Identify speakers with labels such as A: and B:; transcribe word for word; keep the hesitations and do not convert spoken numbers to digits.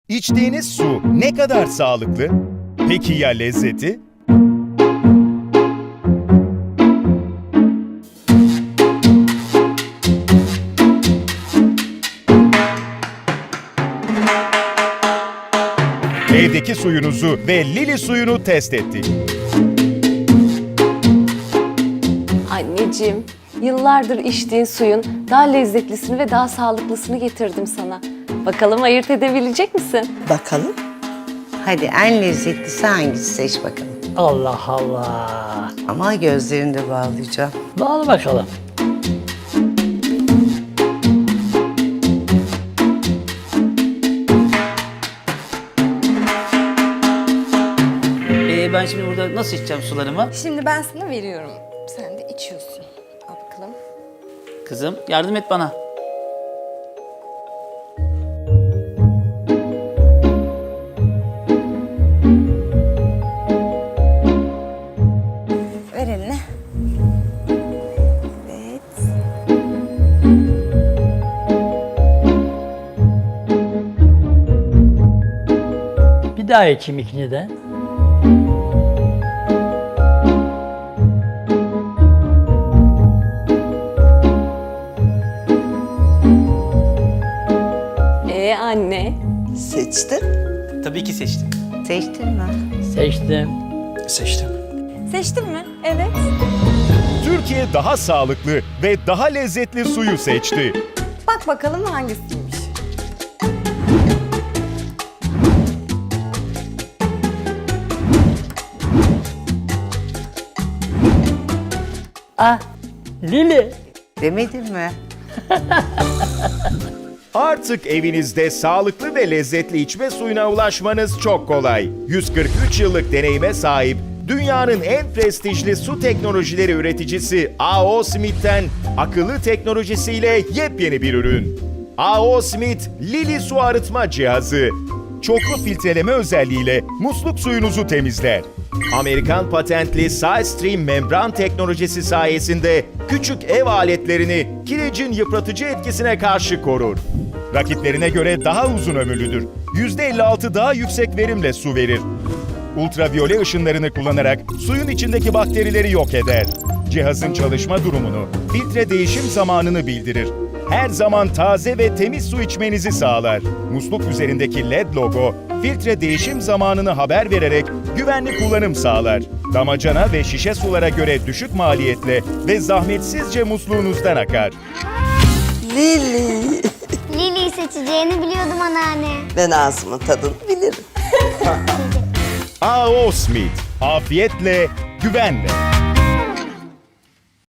A: İçtiğiniz su ne kadar sağlıklı? Peki ya lezzeti? Evdeki suyunuzu ve Lili suyunu test ettik.
B: Anneciğim, yıllardır içtiğin suyun daha lezzetlisini ve daha sağlıklısını getirdim sana. Bakalım ayırt edebilecek misin?
C: Bakalım.
D: Hadi en lezzetlisi hangisi seç bakalım.
C: Allah Allah.
D: Ama gözlerini de bağlayacağım.
C: Bağlı bakalım.
E: Ee, ben şimdi burada nasıl içeceğim sularımı?
F: Şimdi ben sana veriyorum. Sen de içiyorsun. Al bakalım.
E: Kızım yardım et bana.
F: Ver eline. Evet.
C: Bir daha içeyim ikini de.
B: Ee anne,
C: Seçtin.
E: Tabii ki seçtim.
D: Seçtin mi?
C: Seçtim.
E: Seçtim.
F: Seçtin mi? Evet.
A: Türkiye daha sağlıklı ve daha lezzetli suyu seçti.
F: Bak bakalım hangisiymiş.
C: Ah, Lili.
D: Demedin mi?
A: Artık evinizde sağlıklı ve lezzetli içme suyuna ulaşmanız çok kolay. yüz kırk üç yıllık deneyime sahip dünyanın en prestijli su teknolojileri üreticisi A O Smith'ten akıllı teknolojisiyle yepyeni bir ürün. A O Smith Lili su arıtma cihazı. Çoklu filtreleme özelliğiyle musluk suyunuzu temizler. Amerikan patentli SideStream membran teknolojisi sayesinde küçük ev aletlerini kirecin yıpratıcı etkisine karşı korur. Rakiplerine göre daha uzun ömürlüdür. yüzde elli altı daha yüksek verimle su verir. Ultraviyole ışınlarını kullanarak suyun içindeki bakterileri yok eder. Cihazın çalışma durumunu, filtre değişim zamanını bildirir. Her zaman taze ve temiz su içmenizi sağlar. Musluk üzerindeki L E D logo, filtre değişim zamanını haber vererek güvenli kullanım sağlar. Damacana ve şişe sulara göre düşük maliyetle ve zahmetsizce musluğunuzdan akar.
C: Lili.
G: Lili'yi seçeceğini biliyordum anneanne.
C: Ben ağzımın tadını bilirim.
A: A O Smith, afiyetle, güvenle.